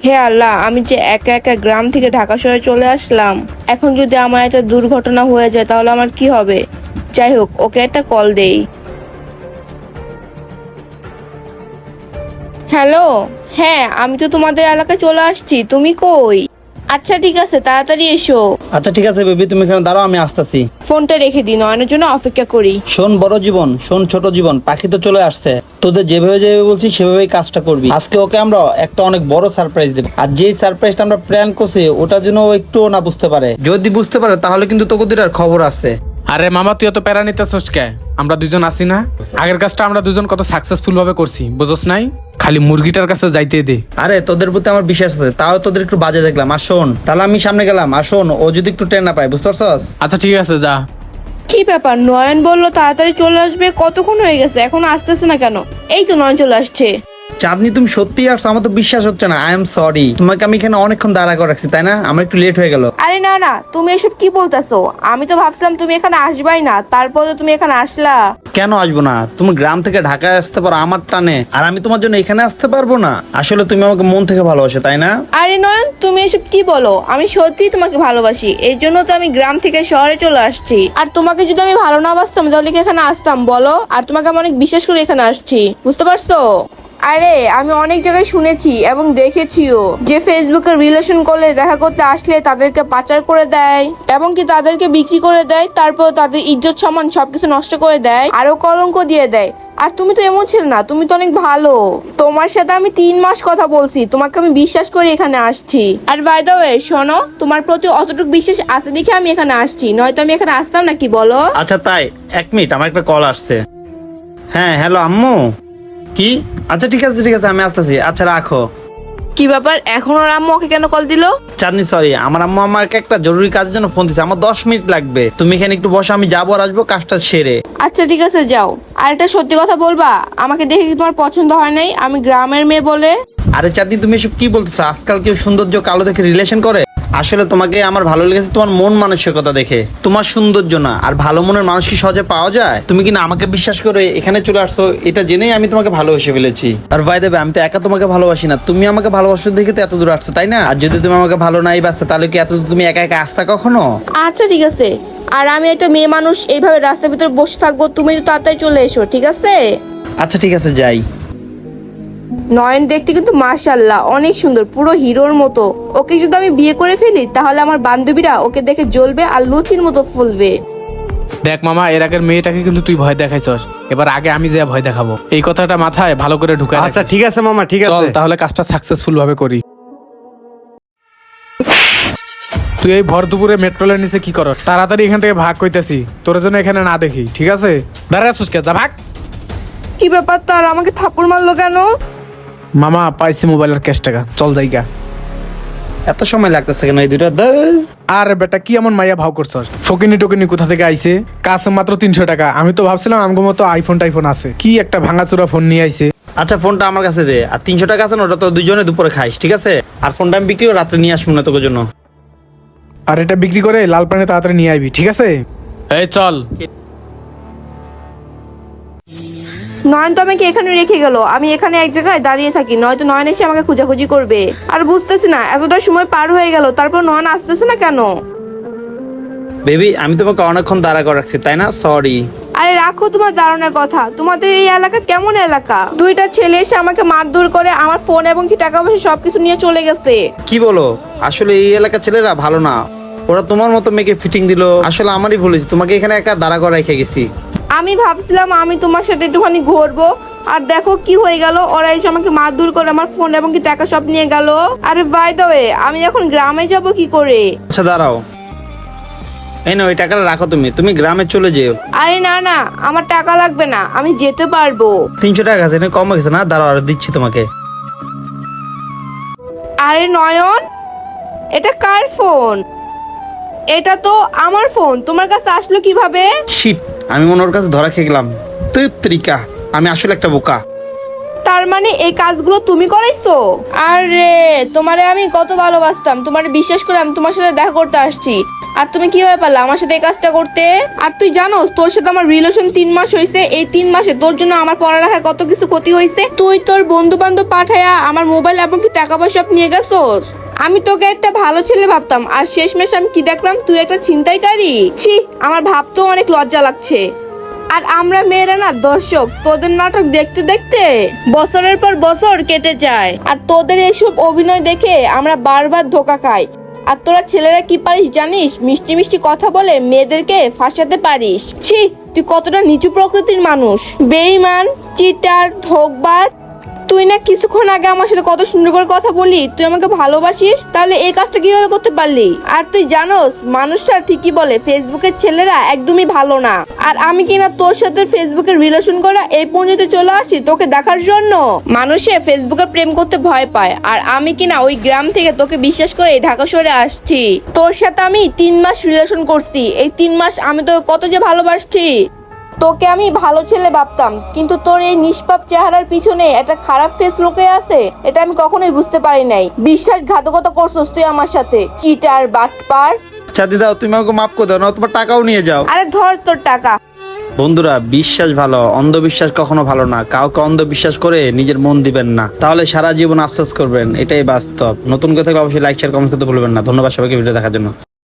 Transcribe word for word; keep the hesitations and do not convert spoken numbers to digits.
হে আল্লাহ, আমি যে একা একা গ্রাম থেকে ঢাকা শহরে চলে আসলাম, এখন যদি আমার একটা দুর্ঘটনা হয়ে যায় তাহলে আমার কি হবে? যাই হোক, ওকে একটা কল দেই। হ্যালো, হ্যাঁ আমি তো তোমাদের এলাকায় চলে আসছি, তুমি কই? আচ্ছা ঠিক আছে, তাড়াতাড়ি এসো। আচ্ছা ঠিক আছে বেবি, তুমি এখানে দাঁড়াও, আমি আসতেছি। ফোনটা রেখে দিই, নয়নের জন্য অপেক্ষা করি। শোন বড় জীবন, শোন ছোট জীবন, পাখি তো চলে আসছে। তোদের যেভাবে যেভাবে বলছি সেভাবেই কাজটা করবি। আজকে ওকে আমরা একটা অনেক বড় সারপ্রাইজ দেব, আর যেই সারপ্রাইজটা আমরা প্ল্যান করছি ওটা যেন ও একটুও না বুঝতে পারে। যদি বুঝতে পারে তাহলে কিন্তু তোকে দুটার খবর আছে। আরে মামা, তুই এত প্যারা নিতেছস কে? আমরা দুজন আছি না? আগের কাজটা আমরা দুজন কত সাকসেসফুল ভাবে করছি, বুঝছ নাই? খালি মুরগিটার কাছে যাইতে দে। আরে তোদের প্রতি আমার বিশ্বাস আছে, তাও তোদের একটু বাজে দেখলাম। আর শোন, তাহলে আমি সামনে গেলাম। আর শোন, ও যদি একটু ট্রেন না পায়, বুঝতে পারছস? আচ্ছা ঠিক আছে, যা। কি ব্যাপার, নয়ন বললো তাড়াতাড়ি চলে আসবে, কতক্ষণ হয়ে গেছে, এখন আসতেছে না কেন? এই তো নয়ন চলে আসছে। চাঁদনি, তুমি সত্যিই আসছো? আমার তো বিশ্বাস হচ্ছে না। আই এম সরি, তোমাকে আমি এখানে অনেকক্ষণ দাঁড়া করে রাখছি, তাই না? আমার একটু লেট হয়ে গেল। আরে না না, তুমি এসব কি বলতেছো? আমি তো ভাবছিলাম তুমি এখানে আসবাই না, তারপরে তুমি এখানে আসলা। কেন আসবো না? তুমি গ্রাম থেকে ঢাকায় আসতে পারো আমার টানে, আর আমি তোমার জন্য এখানে আসতে পারবো না? আসলে তুমি আমাকে মন থেকে ভালোবাসো, তাই না? আরে নয়ন, তুমি এসব কি বলো? আমি সত্যিই তোমাকে ভালোবাসি, এই জন্য তো আমি গ্রাম থেকে শহরে চলে আসছি। আর তোমাকে যদি আমি ভালো না বাসতাম তাহলে কি এখানে আসতাম বলো? আর তোমাকে আমি অনেক বিশ্বাস করে এখানে আসছি, বুঝতে পারছো? আরে আমি অনেক জায়গায় শুনেছি এবং দেখেছিও যে ফেসবুকে রিলেশন করলে, দেখা করতে আসলে তাদেরকে পাচার করে দেয় এবং কি তাদেরকে বিক্রি করে দেয়, তারপর তাদের ইজ্জত সম্মান সবকিছু নষ্ট করে দেয়, আরো কলঙ্ক দিয়ে দেয়। আর তুমি তো এমন ছিল না, তুমি তো অনেক ভালো। তোমার সাথে আমি তিন মাস কথা বলছি, তোমাকে আমি বিশ্বাস করে এখানে আসছি। আর বাই দ্য ওয়ে শোনো, তোমার প্রতি অতটুকু বিশ্বাস আছে দেখে আমি এখানে আসছি, নয়তো আমি এখানে আসতাম না, কি বলো? আচ্ছা তাই, এক মিনিট, আমার একটা কল আসছে। হ্যাঁ হ্যালো আম্মু। কি? আচ্ছা ঠিক আছে ঠিক আছে, আমি আসতেছি। আচ্ছা রাখো। কি ব্যাপার, এখন ওর আম্মু ওকে কেন কল দিল? চাঁদনি সরি, আমার আম্মু আমাকে একটা জরুরি কাজের জন্য ফোন দিচ্ছে। আমার দশ মিনিট লাগবে, তুমি এখানে একটু বসো, আমি যাবো আর আসবো কাজটা সেরে। আচ্ছা ঠিক আছে, যাও। আর একটা সত্যি কথা বলবা, আমাকে দেখে কি তোমার পছন্দ হয় নাই? আমি গ্রামের মেয়ে বলে। আরে চাঁদনি, তুমি এসব কি বলতেছো? আজকাল কেউ সৌন্দর্য কালো দেখে রিলেশন করে? আসলে তোমাকে আমার ভালো লেগেছে তোমার মন মানসিকতা দেখে, তোমার সৌন্দর্য না। আর ভালো মনের মানুষ কি সহজে পাওয়া যায়? তুমি কি না আমাকে বিশ্বাস করে এখানে চলে আসছো, এটা জেনেই আমি তোমাকে ভালোবেসে ফেলেছি। আর ভাই দেবে, আমি তো একা তোমাকে ভালোবাসি না, তুমি আমাকে ভালোবাসো দেখে তো এত দূর আসছো, তাই না? আর যদি তুমি আমাকে ভালো নাই বাসতে, তাহলে কি এত দূর তুমি একা একা আসতা কখনো? আচ্ছা ঠিক আছে, আর আমি একটা মেয়ে মানুষ এইভাবে রাস্তার ভিতরে বসে থাকবো? তুমি তো তাড়াতাড়ি চলে এসো, ঠিক আছে? আচ্ছা ঠিক আছে, যাই। নয়ন দেখতে কিন্তু মাশাআল্লাহ অনেক সুন্দর, পুরো হিরোর মতো। ওকে যদি আমি বিয়ে করে ফেলি তাহলে আমার বান্ধবীরা ওকে দেখে জ্বলবে আর লুচির মতো ফুলবে। দেখ মামা, এর আগের মেয়েটাকে কিন্তু তুই ভয় দেখাইছস, এবার আগে আমি যে ভয় দেখাবো। এই কথাটা মাথায় ভালো করে ঢুকায় আচ্ছা রাখিস। ঠিক আছে মামা, ঠিক চল আছে। তাহলে কাজটা সাকসেসফুল ভাবে করি। তুই এই ভর দুপুরে মেট্রোলের নিচে কি করস? তাড়াতাড়ি এখান থেকে ভাগ কইতেছি, তোর জন্য এখানে না দেখি, ঠিক আছে? দাঁড়া আসুস কে, যা ভাগ। কি ব্যাপার, তার আমাকে থাপ্পড় মারলো কেন? মামা পাইছি মোবাইলের ক্যাশ টাকা, চল জায়গা। এত সময় লাগতেছে কেন এই দুটা? ধুর। আরে বেটা, কি এমন মাইয়া ভাও করছস? ফকিনি টকিনি কোথা থেকে আইছে? কাছে মাত্র তিনশো টাকা। আমি তো ভাবছিলাম আমগো মতো আইফোন টাইফোন আছে, কি একটা ভাঙাচোরা ফোন নিয়ে আইছে। আচ্ছা ফোনটা আমার কাছে দে, আর তিনশো টাকা আছে না, ওটা তো দুজনে দুপুরে খাইস, ঠিক আছে? আর ফোনটা আমি বিক্রি করে রাত্রে নিয়ে আসবো না তোর জন্য। আর এটা বিক্রি করে লাল পানি তাড়াতাড়ি নিয়ে আইবি, ঠিক আছে? এই চল। নয়ন তো আমাকে এখানে রেখে গেল, আমি এখানে এক জায়গায় দাঁড়িয়ে থাকি, নয়তো নয়ন এসে আমাকে খোঁজাখুঁজি করবে। আর বুঝতেছি না, এতটা সময় পার হয়ে গেল তারপর নয়ন আসতেছে না কেন? বেবি, আমি তোমাকে অনেকক্ষণ দাঁড়া করে রাখছি, তাই না? সরি। আরে রাখো তোমার দারুণের কথা, তোমাদের এই এলাকা কেমন এলাকা? দুইটা ছেলে এসে আমাকে মারধর করে আমার ফোন এবং কি টাকা পয়সা সবকিছু নিয়ে চলে গেছে। কি বলো? আসলে এই এলাকার ছেলেরা ভালো না, ওরা তোমার মতো মেয়েকে ফিটিং দিল। আসলে আমারই ভুল হয়েছে, তোমাকে এখানে একা দাঁড়া করে রেখে গেছি। আমি ভাবছিলাম আমি তোমার সাথে একটুখানি ঘুরবো, আর দেখো কি হয়ে গেল, ওরা এসে আমাকে মারধর করে আমার ফোন এবং কি টাকা সব নিয়ে গেল। আরে বাই দ্য ওয়ে, আমি এখন গ্রামে যাব কি করে? আচ্ছা দাঁড়াও, এই না, ওই টাকাটা রাখো, তুমি তুমি গ্রামে চলে যেও। আরে না না, আমার টাকা লাগবে না, আমি যেতে পারবো। তিনশো টাকা আছে, এটা কম গেছে না? দাঁড়াও, আর দিচ্ছি তোমাকে। আরে নয়ন, এটা কার ফোন? এটা তো আমার ফোন, তোমার কাছে আসলো কিভাবে? শিট, আমি মনে ওর কাছে ধরা খেয়ে গেলাম। তৃকা, আমি আসলে একটা বোকা। তার তার মানে এই কাজগুলো তুমি করাইছো? আরে তোমারে আমি কত ভালোবাসতাম, তোমারে বিশ্বাস করে আমি তোমার সাথে দেখা করতে আসছি, আর তুমি কিভাবে পারলে আমার সাথে এই কাজটা করতে? আর তুই জানোস তোর সাথে আমার রিলেশন তিন মাস হয়েছে, এই তিন মাসে তোর জন্য আমার পড়ালেখার কত কিছু ক্ষতি হয়েছে। তুই তোর বন্ধু বান্ধব পাঠায়া আমার মোবাইল এমনকি টাকা পয়সা সব নিয়ে গেছোস। আমি তোকে একটা ভালো ছেলে ভাবতাম, আর শেষমেশ আমি কি দেখলাম তুই একটা ছিনতাইকারী। ছি, আমার ভাবতেও অনেক লজ্জা লাগছে। আর আমরা মেয়েরা না দর্শক, তোদের নাটক দেখতে দেখতে বছরের পর বছর কেটে যায়, আর তোদের এইসব অভিনয় দেখে আমরা বারবার ধোকা খাই। আর তোরা ছেলেরা কি পারিস জানিস? মিষ্টি মিষ্টি কথা বলে মেয়েদেরকে ফাঁসাতে পারিস। ছি, তুই কতটা নিচু প্রকৃতির মানুষ, বেঈমান, চিটার, ধোঁকবাজ। তুই না কিছুক্ষণ আগে আমার সাথে কত সুন্দর করে কথা বলি, তুই আমাকে ভালোবাসিস, তাহলে এই কাজটা কিভাবে করতে পারলি? আর তুই জানোস মানুষটা ঠিকই বলে ফেসবুকের ছেলেরা একদমই ভালো না। আর আমি কিনা তোর সাথে ফেসবুকের রিলেশন করা এই পর্যন্ত চলে আসি তোকে দেখার জন্য। মানুষে ফেসবুকে প্রেম করতে ভয় পায়, আর আমি কিনা ওই গ্রাম থেকে তোকে বিশ্বাস করে ঢাকা শহরে আসছি। তোর সাথে আমি তিন মাস রিলেশন করছি, এই তিন মাস আমি তোকে কত যে ভালোবাসছি। তোকে আমি ভালো ছেলে ভাবতাম, কিন্তু তোর এই নিষ্পাপ চেহারার পিছনে একটা খারাপ ফেস লুকিয়ে আছে, এটা আমি কখনোই বুঝতে পারি নাই। বিশ্বাসঘাতকতা করছস তুই আমার সাথে, চিটার, বাটপার। ছাতি দাও, তুমি আমাকে মাফ করে দাও, না তোমার টাকাও নিয়ে যাও। আরে ধর তোর টাকা। বন্ধুরা, বিশ্বাস ভালো, অন্ধবিশ্বাস কখনো ভালো না। কাউকে অন্ধবিশ্বাস করে নিজের মন দিবেন না, তাহলে সারা জীবন আফসোস করবেন, এটাই বাস্তব। নতুন কথা থাকলে অবশ্যই লাইক শেয়ার কমেন্ট করতে ভুলবেন না। ধন্যবাদ সবাইকে ভিডিও দেখার জন্য।